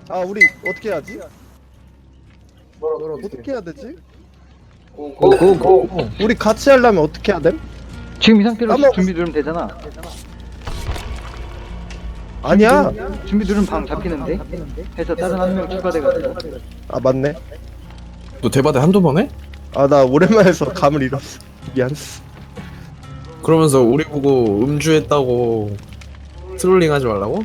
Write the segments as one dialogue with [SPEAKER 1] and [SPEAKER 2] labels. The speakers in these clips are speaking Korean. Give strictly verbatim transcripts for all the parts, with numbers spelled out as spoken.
[SPEAKER 1] 아 우리 어떻게 해야지?
[SPEAKER 2] 뭐라
[SPEAKER 1] 어떻게 해야 되지?
[SPEAKER 2] 고고고
[SPEAKER 1] 우리 같이 하려면 어떻게 해야 됨?
[SPEAKER 3] 지금 이 상태로
[SPEAKER 1] 까먹었어.
[SPEAKER 3] 준비 누르면 되잖아.
[SPEAKER 1] 아니야.
[SPEAKER 3] 준비 누르면 방 잡히는데? 해서 다른 한 명 추가돼가지고.
[SPEAKER 1] 아 맞네.
[SPEAKER 2] 너 대바대 한두 번 해?
[SPEAKER 1] 아 나 오랜만에 해서 감을 잃었어. 미안.
[SPEAKER 2] 그러면서 우리 보고 음주했다고 트롤링 하지 말라고?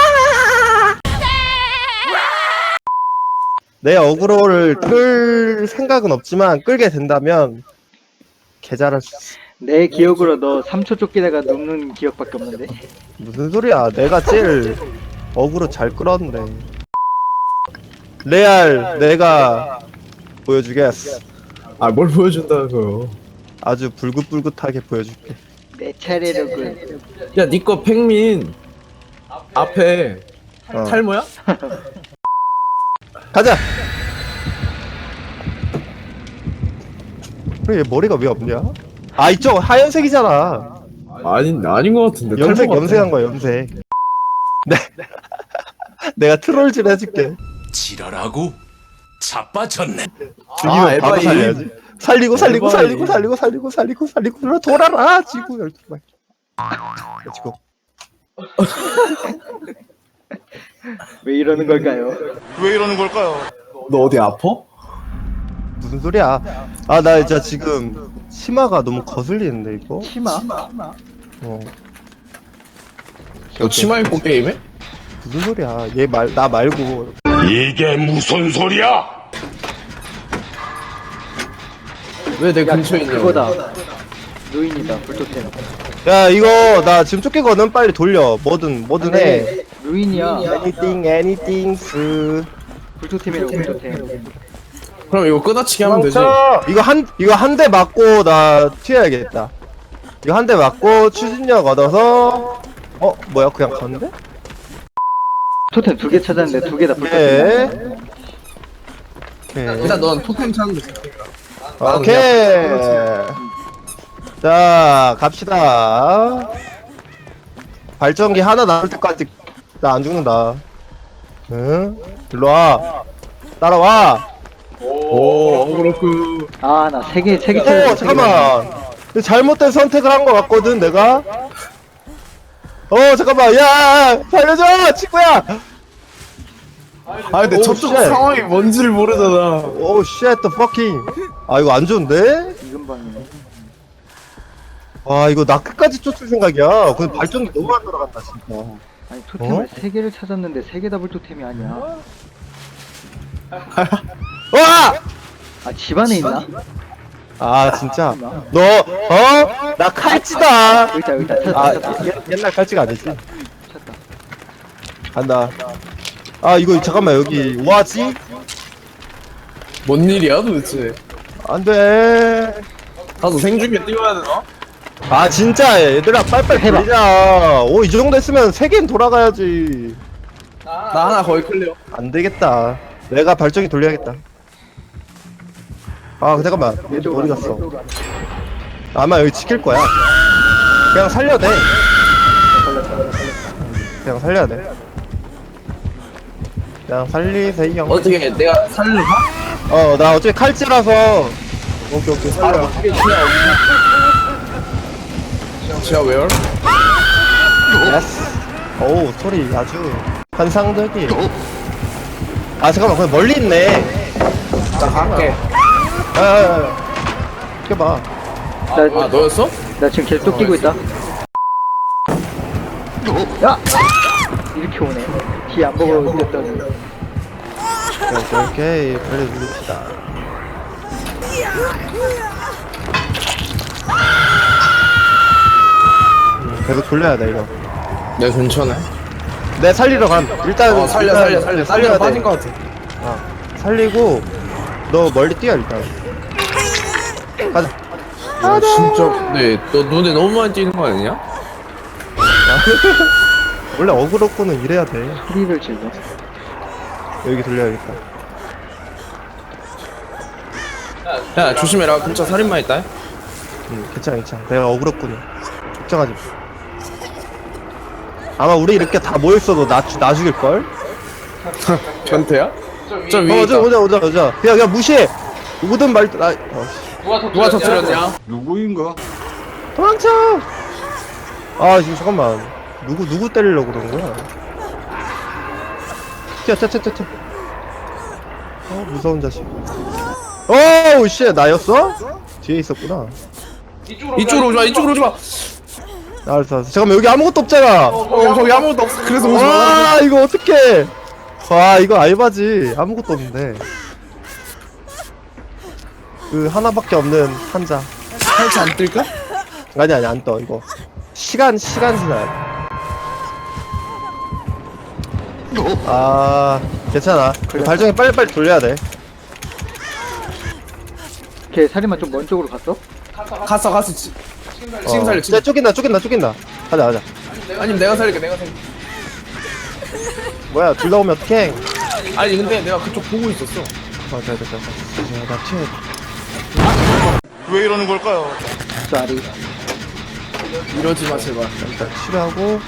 [SPEAKER 1] 내 어그로를 끌 생각은 없지만 끌게 된다면 개 잘할 수 있어.
[SPEAKER 3] 내 기억으로 너 삼 초 쫓기다가 눕는 기억밖에 없는데.
[SPEAKER 1] 무슨 소리야? 내가 제일 어그로 잘 끌었는데. 레알 내가 보여주겠어.
[SPEAKER 2] 아 뭘 보여준다고요?
[SPEAKER 1] 아주 불긋불긋하게 보여줄게.
[SPEAKER 3] 내 차례로군.
[SPEAKER 2] 야 니꺼 팽민 앞에
[SPEAKER 1] 어.
[SPEAKER 2] 탈모야?
[SPEAKER 1] 가자. 그래 얘 머리가 왜 없냐? 아 이쪽 하얀색이잖아.
[SPEAKER 2] 아닌 아닌 것 같은데
[SPEAKER 1] 염색
[SPEAKER 2] 탈모 같아.
[SPEAKER 1] 염색한 거야 염색. 네. 내가 트롤질 해줄게.
[SPEAKER 4] 지랄하고 자빠졌네.
[SPEAKER 1] 죽이면
[SPEAKER 2] 아,
[SPEAKER 1] 바로
[SPEAKER 2] 에바이.
[SPEAKER 1] 살려야지. 살리고 살리고
[SPEAKER 2] 에바이.
[SPEAKER 1] 살리고 살리고 살리고 살리고 살리고 살리고 돌아라 지구 열두 발. 지구.
[SPEAKER 3] 왜 이러는 걸까요?
[SPEAKER 4] 왜 이러는 걸까요?
[SPEAKER 2] 너 어디 아파?
[SPEAKER 1] 무슨 소리야? 아 나 진짜 지금 치마가 너무 거슬리는데 이거.
[SPEAKER 3] 치마?
[SPEAKER 1] 어
[SPEAKER 2] 너 치마 입고 게임해?
[SPEAKER 1] 무슨 소리야? 얘 말 나 말고.
[SPEAKER 4] 이게 무슨 소리야?
[SPEAKER 2] 왜 내 근처에 있냐?
[SPEAKER 3] 그거다. 루인이다. 불토템.
[SPEAKER 1] 야 이거 나 지금 쫓기거든. 빨리 돌려. 뭐든 뭐든 해.
[SPEAKER 3] 네, 루인이야.
[SPEAKER 1] Anything anything 스.
[SPEAKER 3] 불토템이라고 불토템.
[SPEAKER 2] 그럼 이거 끊어치기 하면 되지.
[SPEAKER 1] 이거 한 이거 한 대 맞고 나 튀어야겠다. 이거 한 대 맞고 추진력 얻어서 어 뭐야 그냥 갔는데?
[SPEAKER 3] 토템 두 개 찾았는데 두 개 다 불토템.
[SPEAKER 1] 네. 오케이.
[SPEAKER 2] 일단 넌 토템 찾는 데
[SPEAKER 1] 오케이. 자 갑시다. 발전기 하나 나올 때까지 나 안 죽는다. 응? 일로 와. 따라와.
[SPEAKER 2] 오 그렇구.
[SPEAKER 3] 아, 나 세 개, 세 개
[SPEAKER 1] 오
[SPEAKER 3] 찾았어.
[SPEAKER 1] 잠깐만. 잘못된 선택을 한 것 같거든 내가. 어 잠깐만 야 살려줘 친구야.
[SPEAKER 2] 아 근데
[SPEAKER 1] 오,
[SPEAKER 2] 저쪽
[SPEAKER 1] 쉣.
[SPEAKER 2] 상황이 뭔지를 모르잖아.
[SPEAKER 1] 오 쉣 더 퍼킹. 아 이거 안 좋은데?
[SPEAKER 3] 이건 방이네.
[SPEAKER 1] 와 이거 나 끝까지 쫓을 생각이야. 근데 발전기 너무 안 돌아간다 진짜.
[SPEAKER 3] 아니, 토템을
[SPEAKER 1] 어?
[SPEAKER 3] 세 개를 찾았는데 세 개 다 불토템이 아니야.
[SPEAKER 1] 와!
[SPEAKER 3] 아, 집 안에 있나?
[SPEAKER 1] 아 진짜 너 어? 나 칼찌다.
[SPEAKER 3] 여기다, 여기다. 찾았다,
[SPEAKER 1] 아
[SPEAKER 3] 찾았다.
[SPEAKER 1] 옛- 옛날 칼찌가 아니지.
[SPEAKER 3] 찾았다.
[SPEAKER 1] 간다. 아 이거 잠깐만 여기 뭐하지?
[SPEAKER 2] 뭔 일이야 도대체?
[SPEAKER 1] 안돼.
[SPEAKER 2] 가서 생중계 띄워야 되나?
[SPEAKER 1] 아 진짜 얘들아 빨빨
[SPEAKER 3] 해봐.
[SPEAKER 1] 돌리자. 오 이 정도 했으면 세 개는 돌아가야지.
[SPEAKER 2] 나 하나 거의 클리어.
[SPEAKER 1] 안 되겠다. 내가 발전기 돌려야겠다. 아 잠깐만 얘들 어디 갔어? 아마 여기 지킬 거야. 그냥 살려야 돼. 그냥 살려야 돼. 그냥 살리세요.
[SPEAKER 2] 어떻게 내가 살릴까?
[SPEAKER 1] 어 나 어차피 칼찌라서. 오케이 오케이 살려.
[SPEAKER 2] 지하 웨어?
[SPEAKER 1] 예스. 오 소리 아주 환상적이. 아 잠깐만 그냥 멀리 있네.
[SPEAKER 2] 나 갈게.
[SPEAKER 1] 야야야. 켜봐.
[SPEAKER 2] 아
[SPEAKER 3] 나,
[SPEAKER 2] 너였어?
[SPEAKER 3] 나 지금 계속 쫓기고 있다. 야! 이렇게 오네. 뒤 안 보고 이겼더니.
[SPEAKER 1] 오케이 오케이 빨리 누릅시다. 음, 계속 돌려야 돼 이거.
[SPEAKER 2] 내 근처네.
[SPEAKER 1] 내 살리러 간. 일단
[SPEAKER 2] 어 살려
[SPEAKER 1] 일단
[SPEAKER 2] 살려 살려.
[SPEAKER 1] 살려야
[SPEAKER 2] 살려
[SPEAKER 1] 돼.
[SPEAKER 2] 빠진 것 같아.
[SPEAKER 1] 어, 살리고 너 멀리 뛰어 일단. 가자.
[SPEAKER 2] 야 진짜 근데 너 눈에 너무 많이 띄는 거 아니냐?
[SPEAKER 1] 원래 어그로코는 이래야 돼.
[SPEAKER 3] 프리를 즐겨.
[SPEAKER 1] 여기 돌려야겠다.
[SPEAKER 2] 야 조심해라 근처 살인마 있다.
[SPEAKER 1] 응 괜찮아 괜찮아. 내가 어그로코는 걱정하지 마. 아마 우리 이렇게 다 모였어도 나, 죽- 나 죽일걸?
[SPEAKER 2] 변태야? 저 위에
[SPEAKER 1] 어,
[SPEAKER 2] 있다.
[SPEAKER 1] 오자, 오자, 오자, 오자. 그냥, 그냥 무시해. 누구든 말, 아, 어, 씨.
[SPEAKER 2] 누가 터뜨렸냐?
[SPEAKER 5] 누구인가?
[SPEAKER 1] 도망쳐! 아, 지금 잠깐만. 누구, 누구 때리려고 그러는 거야? 튀어, 튀어, 튀어, 튀어. 어, 무서운 자식. 어우, 씨, 나였어? 뒤에 있었구나.
[SPEAKER 2] 이쪽으로 오지마 이쪽으로 오지마.
[SPEAKER 1] 알았어, 알았어. 잠깐만, 여기 아무것도 없잖아.
[SPEAKER 2] 어 거기 아무것도 없어. 그래서 오지마.
[SPEAKER 1] 와, 이거 어떡해. 와, 이거 알바지. 아무것도 없는데. 그, 하나밖에 없는 한자.
[SPEAKER 2] 살치 안 뜰까?
[SPEAKER 1] 아니, 아니, 안 떠, 이거. 시간, 시간 지나야 아, 괜찮아. 그 발전기 빨리빨리 돌려야 돼.
[SPEAKER 3] 걔 살인마 좀 먼 쪽으로 갔어?
[SPEAKER 2] 갔어 갔어. 지- 지금 살려
[SPEAKER 1] 어,
[SPEAKER 2] 지금.
[SPEAKER 1] 야, 쫓긴다, 쫓긴다, 쫓긴다. 가자, 가자.
[SPEAKER 2] 아니면 내가 살릴게 내가 살릴게.
[SPEAKER 1] 뭐야, 둘 다 오면 어떡해.
[SPEAKER 2] 아니 근데 내가 그쪽 보고 있었어.
[SPEAKER 1] 아, 됐다, 됐다. 야, 나 튀어.
[SPEAKER 4] 왜 이러는 걸까요?
[SPEAKER 3] 쏘리.
[SPEAKER 2] 이러지 마 제발.
[SPEAKER 1] 일단 치료하고.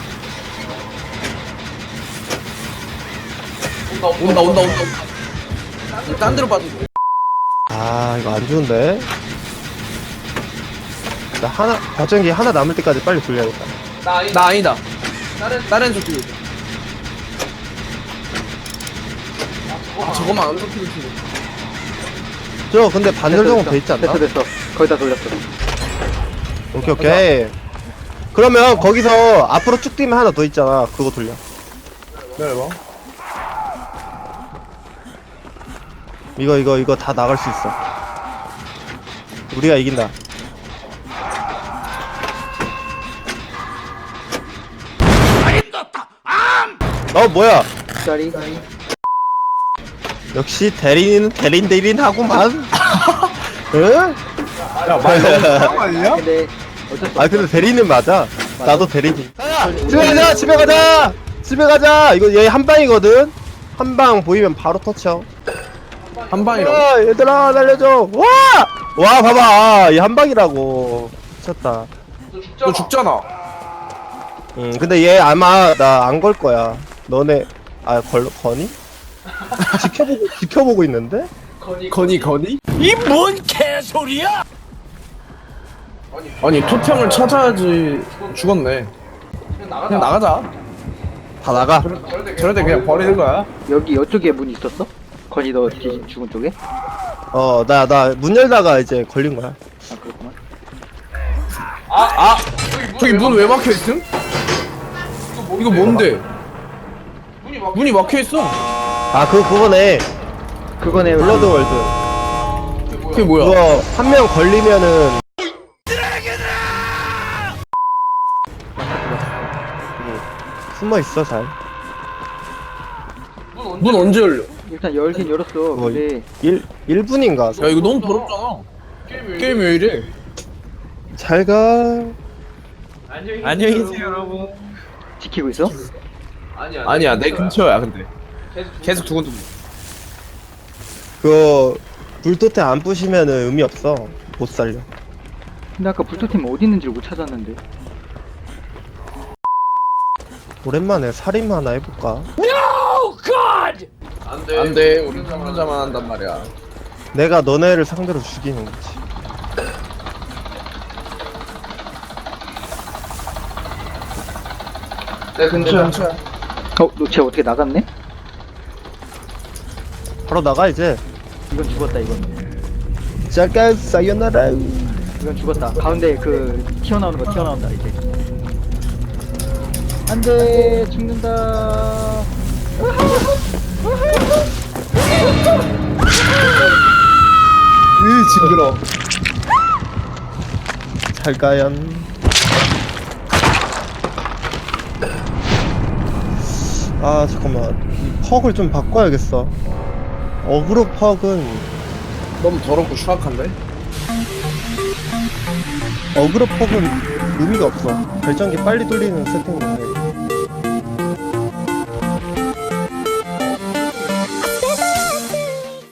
[SPEAKER 2] 온다 온다 온다. 딴 데로 빠져.
[SPEAKER 1] 아, 이거 안 좋은데. 나 하나, 발전기 하나 남을 때까지 빨리 돌려야겠다.
[SPEAKER 2] 나 아니다. 다른 다른 쪽 뒤에. 아 저거만 안 터뜨릴 텐데.
[SPEAKER 1] 저, 근데 반절 정도 돼 있지 않나?
[SPEAKER 3] 됐어 됐어. 거의 다 돌렸어.
[SPEAKER 1] 오케이, 오케이. 그러면 거기서 앞으로 쭉 뛰면 하나 더 있잖아. 그거 돌려.
[SPEAKER 2] 기다려봐.
[SPEAKER 1] 이거, 이거, 이거 다 나갈 수 있어. 우리가 이긴다. 어, 뭐야?
[SPEAKER 3] 쏘리.
[SPEAKER 1] 역시 대리인은 대린 대린 하구만. 응?
[SPEAKER 2] 야 말도
[SPEAKER 5] 아니야?
[SPEAKER 3] 근데 어쩔 수
[SPEAKER 1] 아
[SPEAKER 3] 없어.
[SPEAKER 1] 근데 대리는 맞아. 나도 대리인. 집에 가자, 집에 가자, 집에 가자. 이거 얘 한 방이거든. 한 방 보이면 바로 터쳐.
[SPEAKER 2] 한 방이라고.
[SPEAKER 1] 야, 얘들아 날려줘. 와, 와 봐봐, 얘 한 방이라고. 미쳤다.
[SPEAKER 2] 너 죽잖아.
[SPEAKER 1] 응, 근데 얘 아마 나 안 걸 거야. 너네 아 걸 거니? 지켜보고 지켜보고 있는데?
[SPEAKER 2] 거니 거니?
[SPEAKER 4] 이 뭔 개소리야?
[SPEAKER 2] 아니 토템을 찾아야지. 죽었네. 그냥 나가자.
[SPEAKER 1] 다 나가.
[SPEAKER 2] 저럴 때 그냥 버리는 거야.
[SPEAKER 3] 여기 이쪽에 문 있었어? 건이 너 뒤 죽은 쪽에?
[SPEAKER 1] 어, 나 나 문 열다가 이제 걸린 거야.
[SPEAKER 3] 아 그렇구만.
[SPEAKER 2] 저기 문 왜 막혀 있음? 이거 뭔데? 문이 막혀 있어.
[SPEAKER 1] 아, 그거 그거네.
[SPEAKER 3] 그거네.
[SPEAKER 1] 블러드 월드.
[SPEAKER 2] 그게 뭐야?
[SPEAKER 1] 그거 한 명 걸리면은 숨어 있어 잘.
[SPEAKER 2] 문 언제 열려?
[SPEAKER 3] 일단 열긴 열었어.
[SPEAKER 1] 그거
[SPEAKER 3] 근데
[SPEAKER 1] 일 1분인가?
[SPEAKER 2] 야 이거 너무 더럽잖아. 게임이 왜 이래?
[SPEAKER 1] 잘 가.
[SPEAKER 2] 안녕히 계세요 여러분.
[SPEAKER 3] 지키고 있어?
[SPEAKER 2] 아니야 내 근처야 근데. 계속 두근두근.
[SPEAKER 1] 그거 불토템 안 부시면은 의미 없어. 못 살려.
[SPEAKER 3] 근데 아까 불토템 어디 있는지를 못 찾았는데.
[SPEAKER 1] 오랜만에 살인 하나 해볼까?
[SPEAKER 2] 안돼 안돼 우리 혼자만 한단 말이야.
[SPEAKER 1] 내가 너네를 상대로 죽이는 거지.
[SPEAKER 2] 내 근처야.
[SPEAKER 3] 어? 너쟤 어떻게 나갔네?
[SPEAKER 1] 바로 나가 이제.
[SPEAKER 3] 이건 죽었다 이건.
[SPEAKER 1] 잠깐 사요나라.
[SPEAKER 3] 이건 죽었다. 가운데 그 튀어나오는 거 튀어나온다 이제. 안돼 죽는다.
[SPEAKER 2] 으 징그러.
[SPEAKER 1] 잘 가연. 아 잠깐만. 이 퍽을 좀 바꿔야겠어. 어그로 퍽은
[SPEAKER 2] 너무 더럽고 추악한데?
[SPEAKER 1] 어그로 퍽은 의미가 없어. 발전기 빨리 돌리는 세팅인데